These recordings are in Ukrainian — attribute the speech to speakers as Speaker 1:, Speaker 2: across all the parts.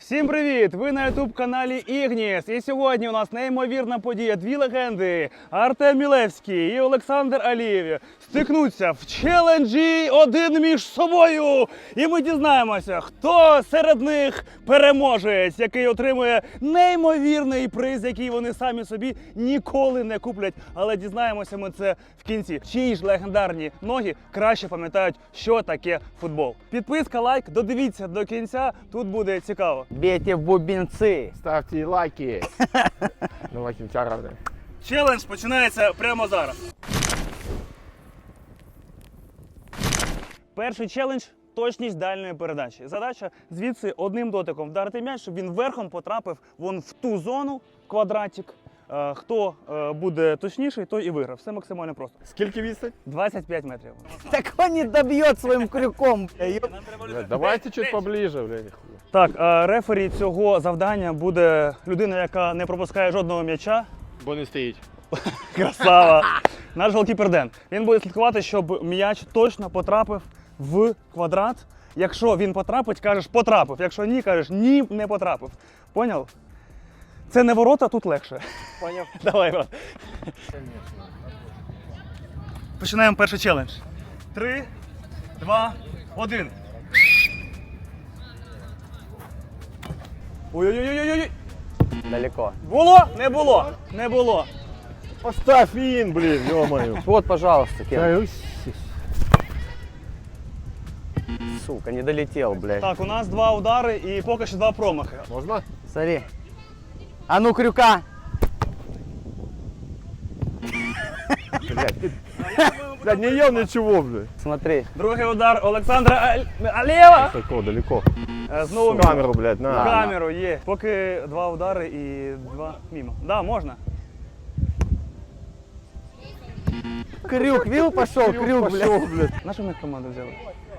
Speaker 1: Всім привіт! Ви на ютуб-каналі Ігніс. І сьогодні у нас неймовірна подія. Дві легенди Артем Мілевський і Олександр Алієв стикнуться в челенджі один між собою. І ми дізнаємося, хто серед них переможець, який отримує неймовірний приз, який вони самі собі ніколи не куплять. Але дізнаємося ми це в кінці. Чиї ж легендарні ноги краще пам'ятають, що таке футбол. Підписка, лайк, додивіться до кінця, тут буде цікаво.
Speaker 2: Бейте в бубенцы.
Speaker 3: Ставьте лайки. Давай кінця.
Speaker 1: Челендж починається прямо зараз. Перший челендж – точність дальньої передачі. Задача звідси одним дотиком вдарити м'яч, щоб він верхом потрапив вон в ту зону, квадратик. Хто буде точніший, той і виграв. Все максимально просто.
Speaker 3: Скільки відстань?
Speaker 1: 25 метрів.
Speaker 2: Так он не добьет своим крюком.
Speaker 3: Давайте чуть поближе, блядь.
Speaker 1: Так, рефері цього завдання буде людина, яка не пропускає жодного м'яча.
Speaker 3: Бо не стоїть.
Speaker 1: Красава! Наш голкіпер Ден. Він буде слідкувати, щоб м'яч точно потрапив в квадрат. Якщо він потрапить, кажеш потрапив. Якщо ні, кажеш ні, не потрапив. Поняв? Це не ворота, тут легше.
Speaker 2: Понял.
Speaker 1: Давай, брат. Починаємо перший челендж. 3, 2, 1. Ой-ой-ой-ой-ой!
Speaker 2: Далеко.
Speaker 1: Було? Не було. Не було.
Speaker 3: Поставь ін, блін, ё-моё.
Speaker 2: Вот, пожалуйста, Кен.
Speaker 3: Та,
Speaker 2: Сука, не долетел, блядь.
Speaker 1: Так, у нас 2 удари і поки що 2 промахи.
Speaker 3: Можна?
Speaker 2: Смотри. А ну, крюка.
Speaker 3: Блядь, не ел нічого, блядь.
Speaker 2: Смотри.
Speaker 1: Другий удар Олександра Алєва.
Speaker 3: Тако, далеко.
Speaker 1: Знову мимо.
Speaker 3: Камеру, блядь, на.
Speaker 1: Камеру є. Поки 2 удари і 2 мимо. Да, можна.
Speaker 2: Крюк, видел, пошел, крюк, блядь.
Speaker 3: блядь.
Speaker 1: Нашу ми команду взяли?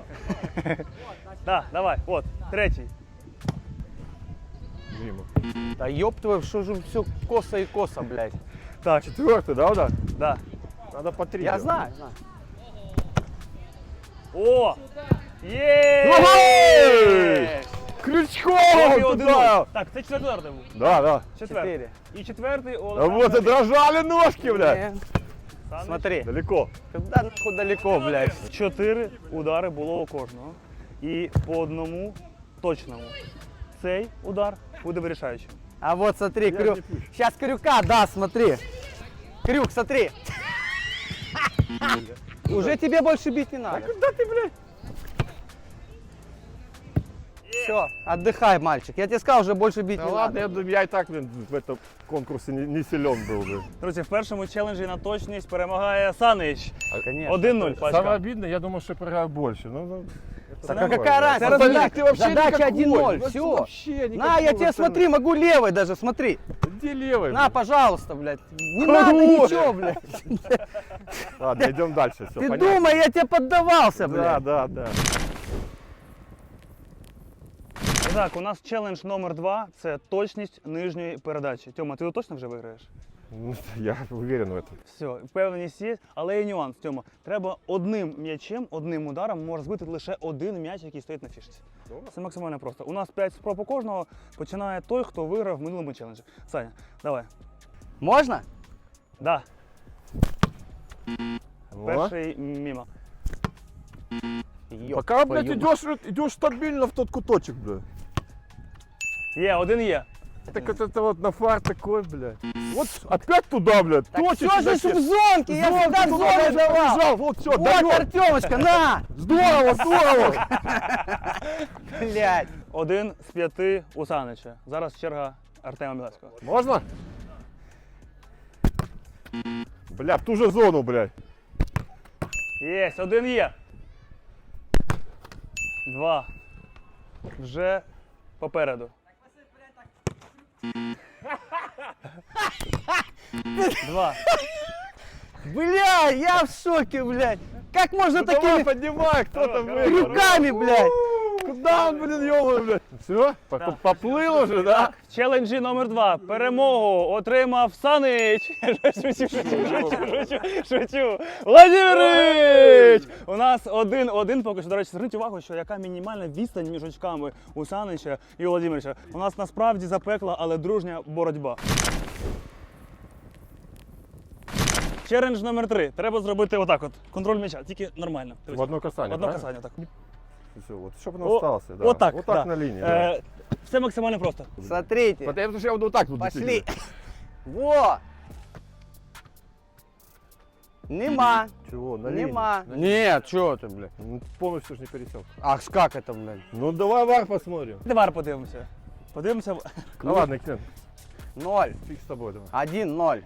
Speaker 1: Так, давай, от, третій.
Speaker 3: Мимо.
Speaker 2: Да ёб твою, что же все косо и косо, блядь.
Speaker 1: Так,
Speaker 3: Четвертый, да, удар?
Speaker 1: да.
Speaker 3: Надо по 3.
Speaker 2: Я знаю, знаю.
Speaker 1: О! Є!
Speaker 3: Крючком
Speaker 1: Поки
Speaker 3: туда!
Speaker 1: 1-0. Так, це четвертий удар був.
Speaker 3: Да, да.
Speaker 1: Четвертий.
Speaker 2: 4.
Speaker 1: І четвертий у
Speaker 3: А
Speaker 1: Олександра.
Speaker 3: вот и дрожали ножки, блядь.
Speaker 1: Саныч.
Speaker 2: Смотри.
Speaker 3: Далеко.
Speaker 2: Куда нахуй далеко, блядь.
Speaker 1: 4 удари було у кожного. І по одному точному. Цей удар буде вирішаючим.
Speaker 2: А вот смотри,
Speaker 3: не
Speaker 2: крюк.
Speaker 3: пущу.
Speaker 2: Сейчас крюка, да, смотри. Крюк, смотри. Уже тебе больше бить не надо.
Speaker 3: Куда ты, блядь?
Speaker 2: Все, отдыхай, мальчик. Я тебе сказал, уже больше бить
Speaker 3: Да
Speaker 2: не
Speaker 3: ладно,
Speaker 2: надо.
Speaker 3: я и так, блин, в этом конкурсе не силен был, блин.
Speaker 1: Друзі, в першому челенджі на точність перемагає Санич.
Speaker 2: Конечно.
Speaker 1: 1-0, пачка.
Speaker 3: Самое обидное, я думал, что я проиграю больше. Ну,
Speaker 2: Так
Speaker 3: это
Speaker 2: а
Speaker 3: нормально.
Speaker 2: какая разница?
Speaker 1: Остальных
Speaker 2: Задача,
Speaker 3: ты вообще
Speaker 2: задача
Speaker 3: никакой.
Speaker 2: 1-0,
Speaker 3: Ну,
Speaker 2: все.
Speaker 3: вообще
Speaker 2: На,
Speaker 3: никакого
Speaker 2: я тебе
Speaker 3: остального.
Speaker 2: смотри, могу левой даже, смотри.
Speaker 3: Где левый?
Speaker 2: На,
Speaker 3: блин?
Speaker 2: пожалуйста, блядь. Не
Speaker 3: Хорош.
Speaker 2: надо ничего, блядь.
Speaker 3: Ладно, идем дальше, все,
Speaker 2: Ты
Speaker 3: понятно.
Speaker 2: думай, я тебе поддавался,
Speaker 3: Да,
Speaker 2: блядь.
Speaker 3: да.
Speaker 1: І так, у нас челендж номер 2 – це точність нижньої передачі. Тьома, ти точно вже виграєш?
Speaker 3: Ну, я уверен в этом.
Speaker 1: Все, впевненість є, але є нюанс. Тьома, треба одним м'ячем, одним ударом може збити лише один м'яч, який стоїть на фішці. Це максимально просто. У нас 5 спроб у кожного, починає той, хто виграв в минулому челенджі. Саня, давай.
Speaker 2: Можно?
Speaker 1: Да,
Speaker 3: Во.
Speaker 1: перший мимо.
Speaker 2: Ёб
Speaker 3: Пока, блядь,
Speaker 2: твою
Speaker 3: идешь стабильно в тот куточек, блядь.
Speaker 1: Є, один є.
Speaker 3: Так это вот на фар такой, блядь. Вот опять туда, блядь.
Speaker 2: Так
Speaker 3: точишь
Speaker 2: все же
Speaker 3: зачем?
Speaker 2: в зонке, я
Speaker 3: Зонку
Speaker 2: всегда в
Speaker 3: туда,
Speaker 2: зону
Speaker 3: блядь,
Speaker 2: давал.
Speaker 3: побежал. Вот все,
Speaker 2: Вот, Артемочка, на!
Speaker 3: Здорово, здорово.
Speaker 2: Блядь.
Speaker 1: 1 з 5 у Санича. Зараз черга Артема Мілевського.
Speaker 3: Можно? Бля, в ту же зону, блядь.
Speaker 1: Єсть, один є. 2. Вже попереду. 2.
Speaker 2: Бля, я в шоке, блядь. Как можно
Speaker 3: Ну давай,
Speaker 2: такими
Speaker 3: поднимай, кто там выиграл.
Speaker 2: крюками, блядь?
Speaker 3: Куда он, блин, ёбаный, блядь? Все? Поплыл уже, да?
Speaker 1: В челенджі номер 2 перемогу отримав Санич. Шучу. Владимирович! У нас 1-1 поки що. До речі, зверніть увагу, що яка мінімальна відстань між очками у Санича і у Владимировича. У нас насправді запекла, але дружня боротьба. Челендж номер 3. Треба зробити отак от. Контроль м'яча, тільки нормально.
Speaker 3: В одно касание,
Speaker 1: В одно
Speaker 3: правильно?
Speaker 1: касання, так.
Speaker 3: Все, вот, чтобы он остался, да.
Speaker 1: Отак,
Speaker 3: Вот так
Speaker 1: да.
Speaker 3: на линии, да.
Speaker 1: Все максимально просто.
Speaker 2: Смотрите.
Speaker 3: Потому что я буду вот так вот.
Speaker 2: Пошли. Во. Нема.
Speaker 3: Чего, на линии?
Speaker 2: Нема. Нет, что ты, блядь?
Speaker 3: Ну, полностью же не пересек.
Speaker 2: Ах, как это, блядь?
Speaker 3: Ну, давай вар посмотрим.
Speaker 1: Давай подивимося. Подивимося.
Speaker 3: Ну, ладно, Кен,
Speaker 2: 0.
Speaker 3: фиг с тобой, давай.
Speaker 2: 1-0.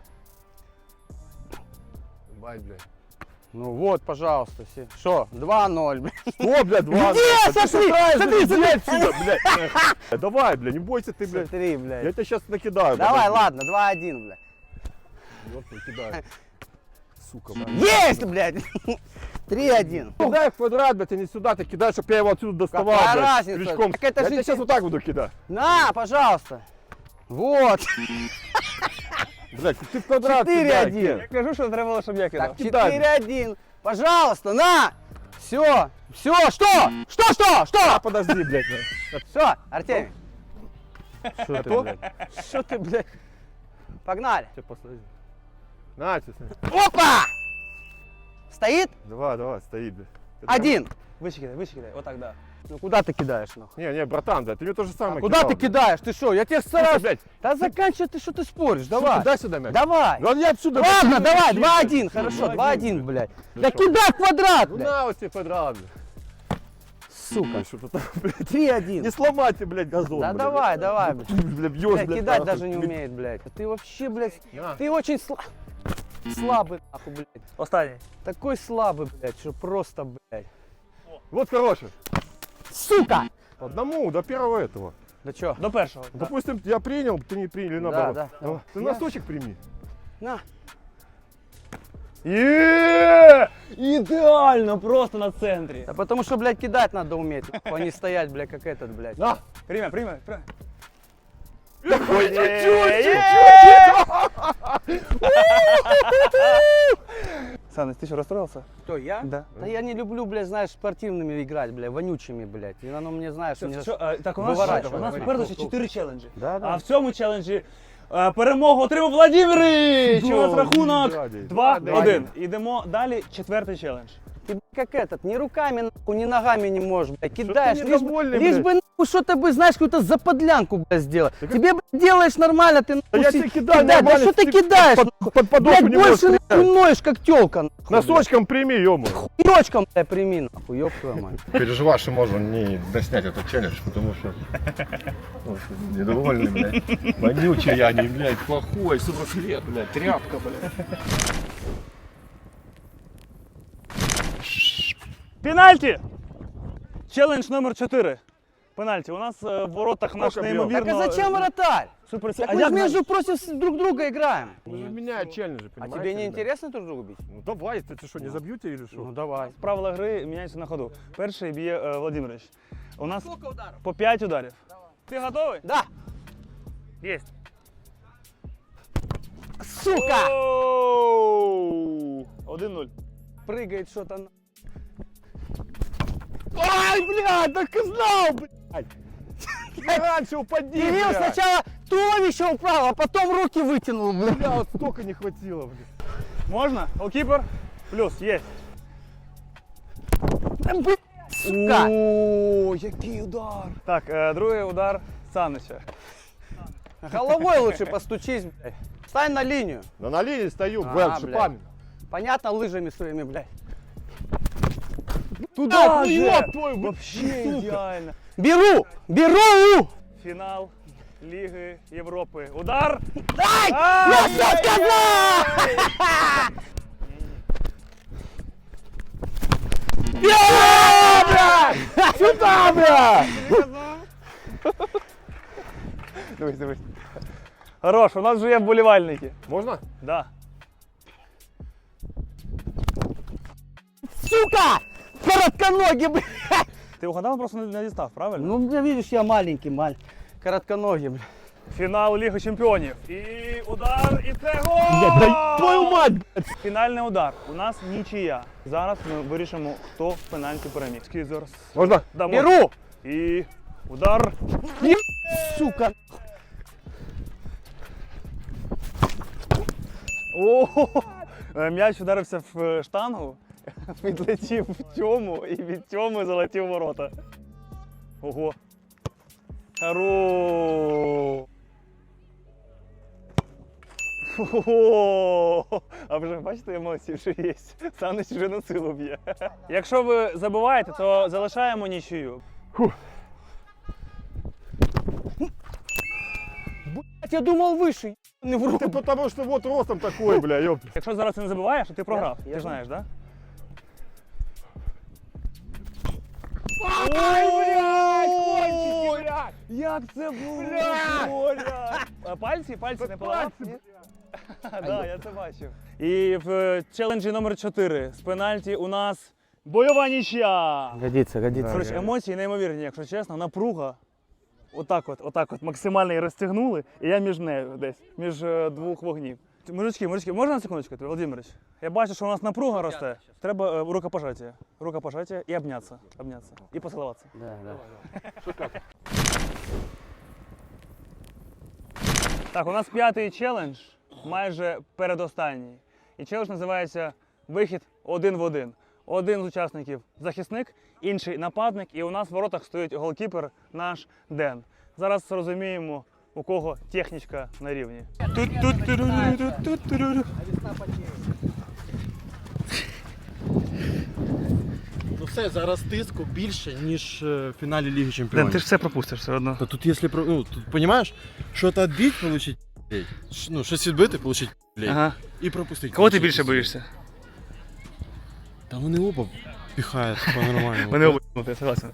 Speaker 3: Бай, блядь.
Speaker 2: Ну вот, пожалуйста. Что? 2-0, блядь.
Speaker 3: Что, блядь, два?
Speaker 2: Где? Смотри, смотри,
Speaker 3: Иди отсюда, блядь. Давай, блядь, не бойся ты, блядь.
Speaker 2: Смотри,
Speaker 3: Я
Speaker 2: блядь.
Speaker 3: тебя сейчас накидаю.
Speaker 2: Давай,
Speaker 3: подожди.
Speaker 2: ладно, 2-1, блядь.
Speaker 3: Вот накидаю. Сука, блядь.
Speaker 2: Есть, блядь. 3-1.
Speaker 3: Кидай в квадрат, блядь, а не сюда, ты кидаешь, чтобы я его отсюда доставал,
Speaker 2: Какая
Speaker 3: блядь,
Speaker 2: разница?
Speaker 3: крючком.
Speaker 2: Так это
Speaker 3: Я
Speaker 2: же
Speaker 3: тебя сейчас вот так буду кидать.
Speaker 2: На, пожалуйста. Вот.
Speaker 3: Блядь, ты в квадрат
Speaker 2: 4-1.
Speaker 3: кидай, Кен.
Speaker 1: Я кажу, що треба було, щоб я кидав.
Speaker 2: Так,
Speaker 3: кидай.
Speaker 2: 4-1. Пожалуйста, на. Все. Все, что?
Speaker 3: А,
Speaker 2: Что?
Speaker 3: подожди, блядь.
Speaker 2: Все, Артемий.
Speaker 3: Что ты, блядь?
Speaker 2: Что ты, блядь? Погнали.
Speaker 3: Тебе посмотри. На, тебе смотри.
Speaker 2: Опа! Стоит?
Speaker 3: Давай, стоит, блядь.
Speaker 2: 1.
Speaker 1: Вище кидай, отак, да.
Speaker 2: Ну куда ты кидаешь, нахуй?
Speaker 3: Не, братан, блядь, ты мне то же самое
Speaker 2: Куда
Speaker 3: кидал,
Speaker 2: ты
Speaker 3: блядь.
Speaker 2: кидаешь? Ты что? Я тебе
Speaker 3: Слушай,
Speaker 2: стараюсь.
Speaker 3: блядь,
Speaker 2: Да заканчивай ты, что ты споришь?
Speaker 3: сука,
Speaker 2: Давай.
Speaker 3: дай сюда мяч.
Speaker 2: Давай.
Speaker 3: Ну, я отсюда...
Speaker 2: Ладно,
Speaker 3: блядь,
Speaker 2: давай,
Speaker 3: блядь.
Speaker 2: 2-1, хорошо, 2-1, блядь.
Speaker 3: Ну
Speaker 2: Да
Speaker 3: что?
Speaker 2: кидай в квадрат,
Speaker 3: Ну
Speaker 2: блядь.
Speaker 3: на, вот тебе квадрат, блядь.
Speaker 2: Сука.
Speaker 3: Что-то там, блядь.
Speaker 2: 3-1.
Speaker 3: Не сломайте, блядь, газон,
Speaker 2: Да
Speaker 3: блядь.
Speaker 2: давай, давай, блядь.
Speaker 3: Блядь, бьешь,
Speaker 2: Блядь,
Speaker 3: блядь.
Speaker 2: кидать
Speaker 3: нахуй.
Speaker 2: даже не умеет, блядь. Ты вообще, блядь,
Speaker 3: На.
Speaker 2: ты очень слабый, нахуй, блядь.
Speaker 1: Останній.
Speaker 2: Такой слабый, блядь, что просто, блядь.
Speaker 3: Вот хороший.
Speaker 2: Сука!
Speaker 3: Одному, до первого этого.
Speaker 2: Да чё?
Speaker 1: До першого.
Speaker 3: Допустим, я принял, ты не принял, или наоборот.
Speaker 2: да,
Speaker 3: Давай.
Speaker 2: да.
Speaker 3: Ты
Speaker 2: Я-
Speaker 3: носочек прими.
Speaker 2: На.
Speaker 1: Є! Ідеально, просто на центрі.
Speaker 2: Да потому что, блядь, кидать надо уметь, а не стоять, блядь, как этот, блядь.
Speaker 3: На.
Speaker 1: Приймай.
Speaker 3: Ой,
Speaker 1: Саныч, ты что, расстроился?
Speaker 2: Кто, я?
Speaker 1: Да.
Speaker 2: Да я не люблю, блядь, знаешь, спортивными играть, блядь, вонючими, блядь. И оно мне, знаешь, мне...
Speaker 1: Так, у нас
Speaker 2: Виворачувай.
Speaker 1: попереду ще 4 челенджі.
Speaker 2: Да, да.
Speaker 1: А в цьому челенджі перемогу отримав Владимирович! У нас
Speaker 3: О,
Speaker 1: рахунок
Speaker 3: дядя.
Speaker 1: 2-1. Ідемо далі, четвертий челендж.
Speaker 2: Ты, блядь, как этот, ни руками, нахуй, ни ногами не можешь, блядь, кидаешь.
Speaker 3: ты
Speaker 2: Лишь бы,
Speaker 3: недовольный,
Speaker 2: лишь
Speaker 3: блядь?
Speaker 2: бы, нахуй, что-то бы, знаешь, какую-то заподлянку, блядь, сделать. Тебе, блядь, делаешь нормально, ты, нахуй,
Speaker 3: Да я
Speaker 2: си-
Speaker 3: тебе кидаю
Speaker 2: кидай. Да
Speaker 3: нормально,
Speaker 2: что ты
Speaker 3: ты
Speaker 2: кидаешь,
Speaker 3: под
Speaker 2: нахуй?
Speaker 3: подошву
Speaker 2: Блядь,
Speaker 3: не можешь
Speaker 2: больше, нахуй, ноешь, как тёлка, нахуй.
Speaker 3: Носочком прими, ё-моё.
Speaker 2: Хуёчком, блядь, прими, нахуй, ёб твою мать.
Speaker 4: Переживаю, что можно не доснять этот челлендж, потому что ну, недовольный, блядь. Вонючий я, не, блядь, плохой, 40 лет, блядь, тряпка, блядь.
Speaker 1: Пенальті! Челендж номер 4. Пенальті. У нас в воротах наш
Speaker 3: Сколько бьёт?
Speaker 1: неймовірно...
Speaker 2: Так а зачем вратарь?
Speaker 1: Супер...
Speaker 2: Так
Speaker 1: А
Speaker 2: мы
Speaker 1: як
Speaker 2: же
Speaker 1: ми-
Speaker 2: между против друг друга играем.
Speaker 3: Мы же меняют челленджи,
Speaker 2: А
Speaker 3: понимаете?
Speaker 2: тебе не
Speaker 3: ребят?
Speaker 2: интересно друг друга бить?
Speaker 3: Ну давай, ты что, не забьете или что?
Speaker 2: Ну давай.
Speaker 1: Правила гри міняються на ходу. Перший б'є Владимирович. У нас
Speaker 2: Сколько ударов?
Speaker 1: по 5 ударів. Ти готовий?
Speaker 2: Да.
Speaker 1: Єсть.
Speaker 2: Сука!
Speaker 1: Оу! 1-0.
Speaker 2: Прыгает что-то на...
Speaker 3: Ай, блядь, так и знал, блядь! Я раньше упади,
Speaker 2: Кирилл
Speaker 3: блядь!
Speaker 2: сначала туловище управил, а потом руки вытянул, блядь.
Speaker 3: Бля, вот столько не хватило, блядь.
Speaker 1: Можна? Голкіпер? Плюс, є.
Speaker 2: Сука!
Speaker 1: О, який удар! Так, другий удар Санича.
Speaker 2: Головой лучше постучись, блядь. Встань на линию.
Speaker 3: Да на линии стою,
Speaker 2: А,
Speaker 3: блядь,
Speaker 2: блядь.
Speaker 3: шипами.
Speaker 2: Понятно, лыжами своими, блядь.
Speaker 1: Туда
Speaker 3: ну
Speaker 1: же!
Speaker 3: ёб твою,
Speaker 1: Вообще
Speaker 3: сука.
Speaker 1: ідеально.
Speaker 2: Беру! Беру!
Speaker 1: Фінал Ліги Європи. Удар!
Speaker 2: Дай!
Speaker 1: А!
Speaker 2: Я все сказал!
Speaker 3: Сюда, блядь!
Speaker 1: Дивись. Хорош, у нас вже є вболівальники.
Speaker 3: Можно?
Speaker 1: Да.
Speaker 2: Сука! Коротконогий, блядь!
Speaker 1: Ти угадав, просто не дістав, правильно?
Speaker 2: Ну, бля, видишь, я маленький, коротконогий, бля.
Speaker 1: Фінал Ліги Чемпіонів. І удар, і це гол!
Speaker 2: Блядь, дай твою мать, блядь.
Speaker 1: Фінальний удар. У нас нічия. Зараз ми вирішимо, хто в пенальті переміг. Скільки зараз?
Speaker 3: Можно?
Speaker 1: Дамо.
Speaker 2: Беру!
Speaker 1: І удар.
Speaker 2: Сука.
Speaker 1: О, м'яч ударився в штангу, відлетів в тьому і від тьому залетів в ворота. Ого. Хорош. Ого. А вже бачите емоції, що є. Саныч вже на силу б'є. Якщо ви забуваєте, то залишаємо нічию.
Speaker 2: Блядь, я думал выше, не в рот.
Speaker 3: Ты потому что вот ростом такой, бля, ёпта.
Speaker 1: Якщо зараз ти не забуваєш, то ти програв.
Speaker 2: Я
Speaker 1: Ти ж знаєш, так?
Speaker 3: Кончики, блядь!
Speaker 1: Як це було? Коля! А пальці не поламав? Так, я це бачив. І в челенджі номер 4 з пенальті у нас бойова нічия.
Speaker 2: Годится, годится.
Speaker 1: Коротше, емоції неймовірні, якщо чесно, напруга. Отак от максимально її розтягнули, і я між нею десь, між двох вогнів. Мужички, можна на секундочку, Володимирович? Я бачу, що у нас напруга росте. Треба рукопожаття. Рукопожаття і обнятися. І поцілуватися.
Speaker 2: Да, да.
Speaker 1: Так, у нас 5-й челендж, майже передостанній. І челендж називається «Вихід один в один». Один з учасників захисник, інший нападник, і у нас в воротах стоїть голкіпер наш Ден. Зараз розуміємо, у кого технічка на рівні.
Speaker 5: Ну все, зараз тиску більше, ніж в фіналі Ліги Чемпіонів.
Speaker 1: ж все пропустиш все одно.
Speaker 5: Та тут, якщо, ну, тут, розумієш, щось відбити, получить, блядь. Ну, щось відбити, получить, блядь.
Speaker 1: Ага.
Speaker 5: І пропустити.
Speaker 1: Кого ти
Speaker 5: получить.
Speaker 1: більше боїшся?
Speaker 5: Та вони оба піхають по-нормальному.
Speaker 1: Мене обидва, я согласен.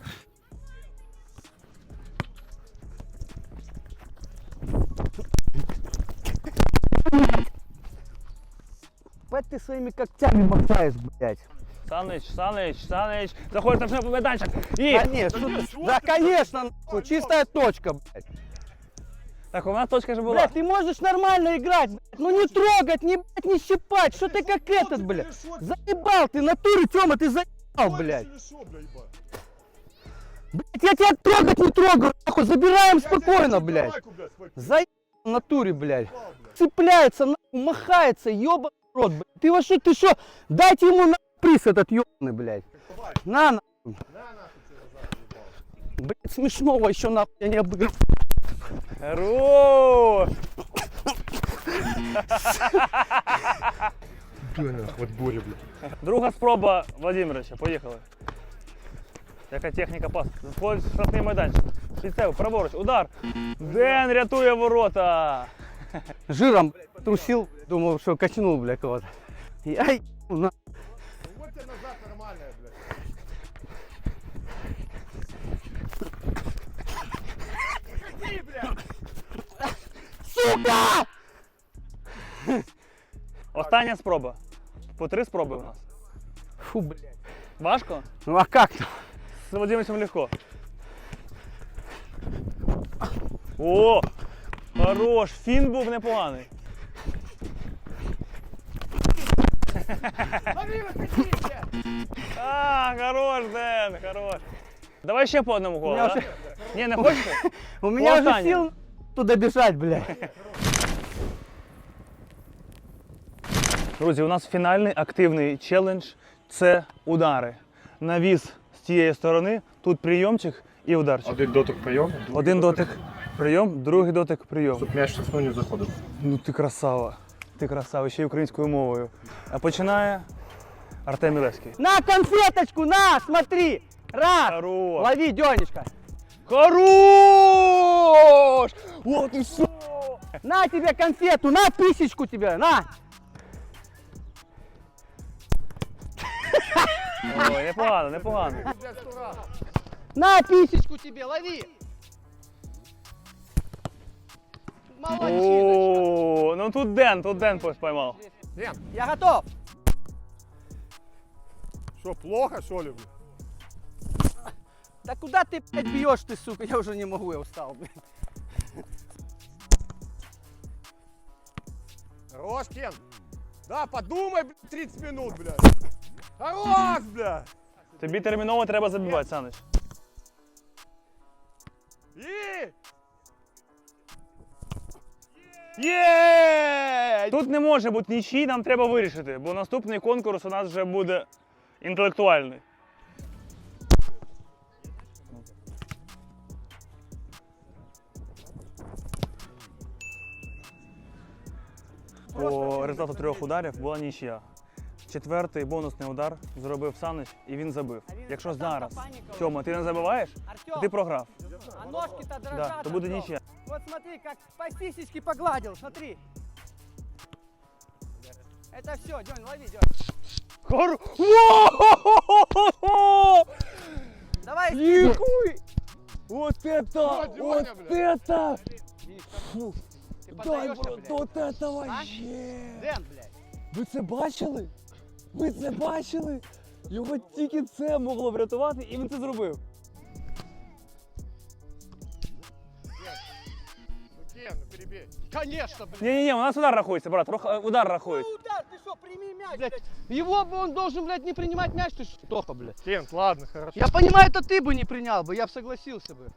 Speaker 2: Бать ты своими когтями мотаешь, блядь.
Speaker 1: Саныч, заходиш там вже майданчик. І...
Speaker 2: Да нет, что ты? Да, конечно, нахуй, чистая точка, блядь.
Speaker 1: Так, у нас точка же була.
Speaker 2: Блядь, ты можешь нормально играть, блядь. Ну не трогать, не, блядь, не щипать. Что ты как этот, блядь? Заебал ты, натуре, Тёма, ты заебал, блядь. Блядь, я тебя трогать не трогаю, нахуй, забираем спокойно, блядь. Заебал в натуре, блядь. Цепляется, нахуй, махается, ёбаный рот, блядь. Ты вообще, ты что? Дайте ему на приз этот ёбаный, блядь. На, нахуй. Блядь, смешного еще, нахуй, я не обыграл.
Speaker 1: Хорош!
Speaker 3: Вот Боря, блядь.
Speaker 1: Друга спроба Владимировича, поїхали. Яка техніка пас? Входить в штрафний майданчик. Швійцев, праворуч, удар. Ден рятує ворота.
Speaker 2: Жиром, блядь, трусил, думал, что качнул, блядь, кого-то. Я ебал, на.
Speaker 3: Вот тебе назад нормальная, блядь.
Speaker 2: Сука!
Speaker 1: Остання спроба. По 3 спроби у нас.
Speaker 2: Фу, блядь.
Speaker 1: Важко?
Speaker 2: Ну а как то?
Speaker 1: З Владимировичем легко. О! Хорош! Фін був непоганий. А, хорош, Ден, хорош. Давай ще по одному голу,
Speaker 2: меня
Speaker 1: да?
Speaker 2: уже-
Speaker 1: Ні, не хочете?
Speaker 2: У меня уже
Speaker 1: Останнє.
Speaker 2: сил туда бежать, блядь.
Speaker 1: Друзі, у нас фінальний активний челендж – це удари. Навіс з тієї сторони, тут прийомчик і ударчик.
Speaker 4: Один дотик прийом,
Speaker 1: Один дотик прийом, другий дотик прийом.
Speaker 4: щоб м'яч в не заходив.
Speaker 1: Ну ти красава. Ти красава, ще й українською мовою. А починає Артем Мілевський.
Speaker 2: На конфеточку, на, смотри. Раз.
Speaker 1: Хорош!
Speaker 2: Лови, Денечка.
Speaker 1: Хорош! О, ти що?
Speaker 2: На тебе конфету, на писечку тебе, на.
Speaker 1: Ой, непогано, непогано.
Speaker 2: На писечку тебе, лови. Молодчиночка.
Speaker 1: О, ну тут Ден поймав.
Speaker 2: Я готов.
Speaker 3: Что, плохо, что ли, блядь?
Speaker 2: Да куда ты, блядь, бьешь ты, сука? Я уже не могу, я устал, блядь.
Speaker 3: Хорош, Кен. Да, подумай, блядь, 30 минут, блядь. Хорош, блядь.
Speaker 1: Тобі терміново треба забивати, Саныч.
Speaker 3: И!
Speaker 1: Є! Тут не може бути нічий, нам треба вирішити, бо наступний конкурс у нас вже буде інтелектуальний. По результату 3 ударів була нічия. Четвертий бонусний удар зробив Саныч і він забив. Якщо зараз, Тьома, ти не забиваєш, то ти програв.
Speaker 2: А ножки-то дрожат.
Speaker 1: Да, то буде
Speaker 2: Артём.
Speaker 1: нічия.
Speaker 2: Вот смотри, как по сисечке погладил, смотри. Это все, Дёнь, лови, Дёнь.
Speaker 1: Во-хо-хо-хо-хо!
Speaker 2: Давай,
Speaker 1: Нихуй! Вот это!
Speaker 3: Вот,
Speaker 1: Вот
Speaker 3: Дёня,
Speaker 1: это!
Speaker 2: видишь,
Speaker 1: Фу,
Speaker 2: ты
Speaker 1: дай,
Speaker 2: поддаешься,
Speaker 1: бро,
Speaker 2: блядь.
Speaker 1: вот это
Speaker 2: А?
Speaker 1: вообще!
Speaker 2: Дэн, блядь.
Speaker 1: Ви це бачили? Ви це бачили? Його тільки це могло врятувати, і він це зробив.
Speaker 3: Ну, Кен, ну перебей. Конечно, блядь.
Speaker 1: Ні-ні-ні, у нас удар рахується, брат, удар рахується.
Speaker 2: Удар, ты что, прими мяч, блядь. Его бы он должен, блядь, не принимать мяч, ты что, Тоха, блядь.
Speaker 3: Кен, ладно, хорошо.
Speaker 2: Я понимаю, это ты бы не принял бы, я бы согласился бы.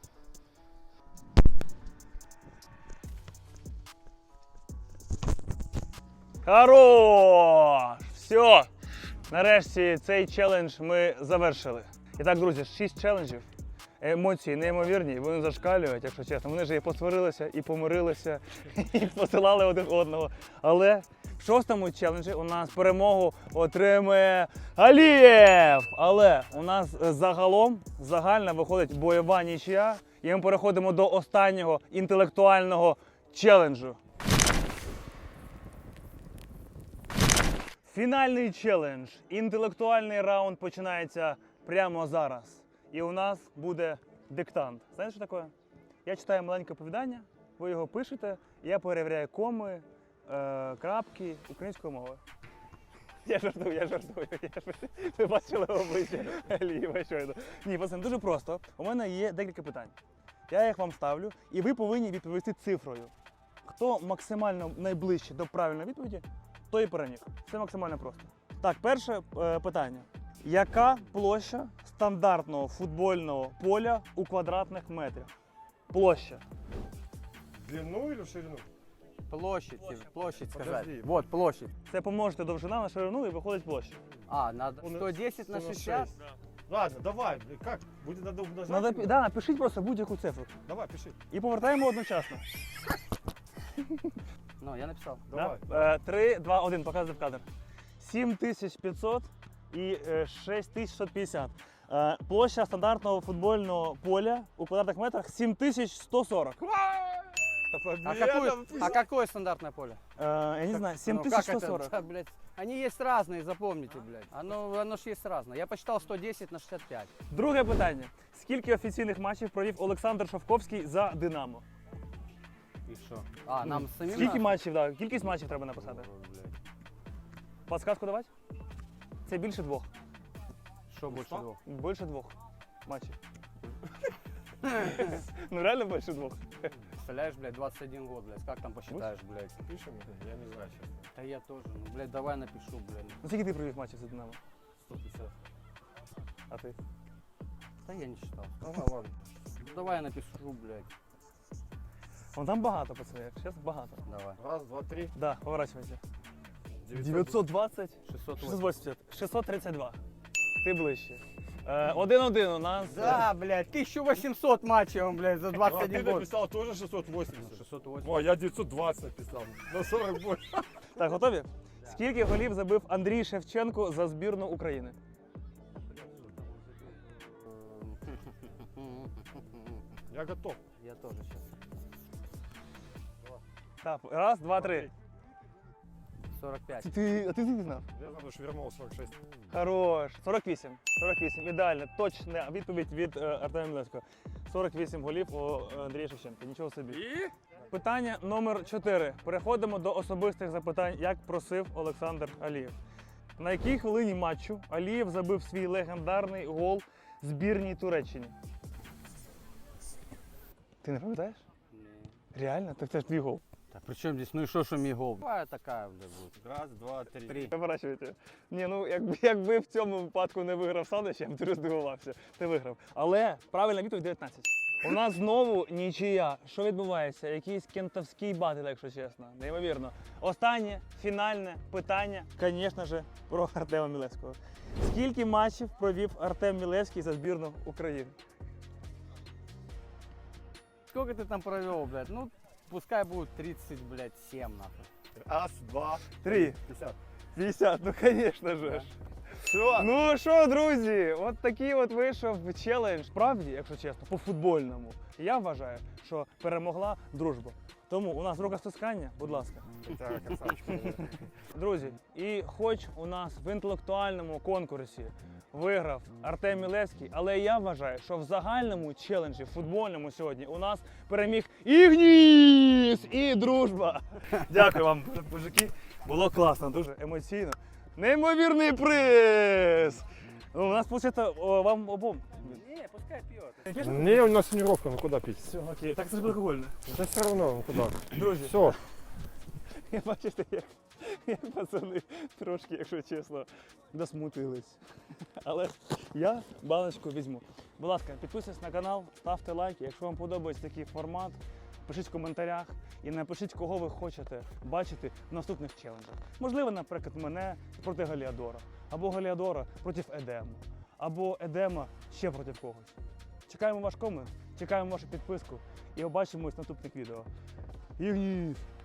Speaker 1: Хорош! Все! Нарешті цей челендж ми завершили. І так, друзі, 6 челенджів. Емоції неймовірні, вони зашкалюють, якщо чесно. Вони ж і посварилися, і помирилися, і посилали один одного. Але в 6-му челенджі у нас перемогу отримує Алієв! Але у нас загалом загальна виходить бойова нічия. І ми переходимо до останнього інтелектуального челенджу. Фінальний челендж. Інтелектуальний раунд починається прямо зараз. І у нас буде диктант. Знаєте, що таке? Я читаю маленьке оповідання, ви його пишете, і я перевіряю коми, крапки українською мовою. Я жартую. Ви бачили обличчя Алієва щойно. Ні, пацани, дуже просто. У мене є декілька питань. Я їх вам ставлю, і ви повинні відповісти цифрою. Хто максимально найближче до правильної відповіді, той і переміг. Це максимально просто. Так, перше питання. Яка площа стандартного футбольного поля у квадратних метрах? Площа.
Speaker 3: Длину или ширину?
Speaker 2: Площадь сказать.
Speaker 3: Подожди.
Speaker 2: Вот, площадь.
Speaker 1: Це помножити довжина на ширину і виходить площа.
Speaker 2: А, надо 110 на 60?
Speaker 3: Ладно, давай, блядь, как? Будет надо умножать?
Speaker 1: Надо, да, напишіть просто будь-яку цифру.
Speaker 3: Давай, пиши.
Speaker 1: І повертаємо одночасно.
Speaker 2: Ну, я написал.
Speaker 3: Давай.
Speaker 1: Да? 3, 2, 1, показуй в кадр. 7500 і 6650. Площа стандартного футбольного поля у квадратних метрах 7140.
Speaker 2: А какое стандартное поле?
Speaker 1: Я не знаю,
Speaker 2: Ну, как это?
Speaker 1: 7140.
Speaker 2: Да, блядь. Они есть разные, запомните, блядь. Оно ж есть разное. Я посчитал 110 на 65.
Speaker 1: Друге питання. Скільки офіційних матчів провів Олександр Шовковський за Динамо?
Speaker 2: И что? А, нам самим
Speaker 1: Скільки
Speaker 2: надо?
Speaker 1: матчів, да, кількість матчів треба написати? Подсказку давати? Це більше двох.
Speaker 2: Что больше двух?
Speaker 1: Більше двох матчів. Ну реально більше двох.
Speaker 2: Представляешь, блядь, 21 год, блядь. Как там посчитаешь, блядь?
Speaker 3: Пишем? Я не знаю, честно.
Speaker 2: Да я тоже. Ну, блядь, давай напишу, блядь.
Speaker 1: Ну скільки ти провів матчів за Динамо?
Speaker 3: 150.
Speaker 1: А ти?
Speaker 2: Да я не считал.
Speaker 3: Ага, ладно.
Speaker 2: Ну, давай я напишу, блядь.
Speaker 1: Вон там багато, пацани, зараз багато.
Speaker 2: Давай.
Speaker 3: Раз, два, три.
Speaker 1: Да, поворачивайся.
Speaker 3: 900.
Speaker 1: 920,
Speaker 2: 680.
Speaker 1: 680, 632. Ти ближче. 1-1 у нас.
Speaker 2: Да, блядь, 1800 матчей, блядь, за
Speaker 3: А, ты
Speaker 2: 21 год.
Speaker 3: написал тоже 680.
Speaker 2: 680.
Speaker 3: О, я 920 написал. На 40 больше.
Speaker 1: Так, готові? Скільки голів забив Андрій Шевченко за збірну України?
Speaker 3: Я готов.
Speaker 2: Я тоже сейчас.
Speaker 1: Так, раз, два, три.
Speaker 2: 45.
Speaker 1: А ти звідки знав?
Speaker 3: Я знаю, что вернул 46.
Speaker 1: Хорош. 48. 48. Ідеально. Точна відповідь від Артема Мілевського. 48 голів у Андрія Шевченка. Нічого собі.
Speaker 3: И?
Speaker 1: Питання номер 4. Переходимо до особистих запитань, як просив Олександр Алієв. На якій хвилині матчу Алієв забив свій легендарний гол збірній Туреччині? Ти не пам'ятаєш? Реально? Так це ж твій гол.
Speaker 2: Да при чем здесь, ну и что мій гол? Какая такая, бля, будет?
Speaker 5: Раз, два, три.
Speaker 1: Поворачуйте. Ні, ну якби в цьому випадку не виграв Санич, я б дуже здивувався. Ти виграв. Але правильна відповідь 19. У нас знову нічия. Що відбувається? Якийсь кентавський батл, якщо чесно. Неймовірно. Останнє, фінальне питання, звісно ж, про Артема Мілевського. Скільки матчів провів Артем Мілевський за збірну України?
Speaker 2: Сколько ты там провел, блядь? Ну, пускай будет 37, нахуй.
Speaker 4: Раз, два,
Speaker 1: 3.
Speaker 4: 50.
Speaker 1: 50, ну звісно ж.
Speaker 4: Все.
Speaker 1: Ну що, друзі, от такий от вийшов челендж. Справді, якщо чесно, по футбольному. Я вважаю, що перемогла дружба. Тому у нас рукостискання, будь ласка.
Speaker 4: Так, красавчик.
Speaker 1: Друзі, і хоч у нас в інтелектуальному конкурсі виграв Артем Мілевський, але я вважаю, що в загальному челенджі футбольному сьогодні у нас переміг Ігніс і дружба. Дякую вам, мужики. Було класно, дуже емоційно. Неймовірний приз! Ну, у нас, виходить, вам обом.
Speaker 2: Не, пускай пьет.
Speaker 4: Не, у нас тренировка, ну куда пить?
Speaker 1: Все, окей. Так це ж алкогольне.
Speaker 4: Да все равно, ну куда.
Speaker 1: Друзі,
Speaker 4: Все.
Speaker 1: я бачите, як пацани трошки, якщо чесно, досмутились. Але я баночку візьму. Будь ласка, підписуйтесь на канал, ставте лайки. Якщо вам подобається такий формат, пишіть в коментарях і напишіть, кого ви хочете бачити в наступних челенджах. Можливо, наприклад, мене проти Галіадора, або Галіадора проти Едему, або Едема ще проти когось. Чекаємо ваш комент, чекаємо вашу підписку і побачимось в наступних відео. Ігніс!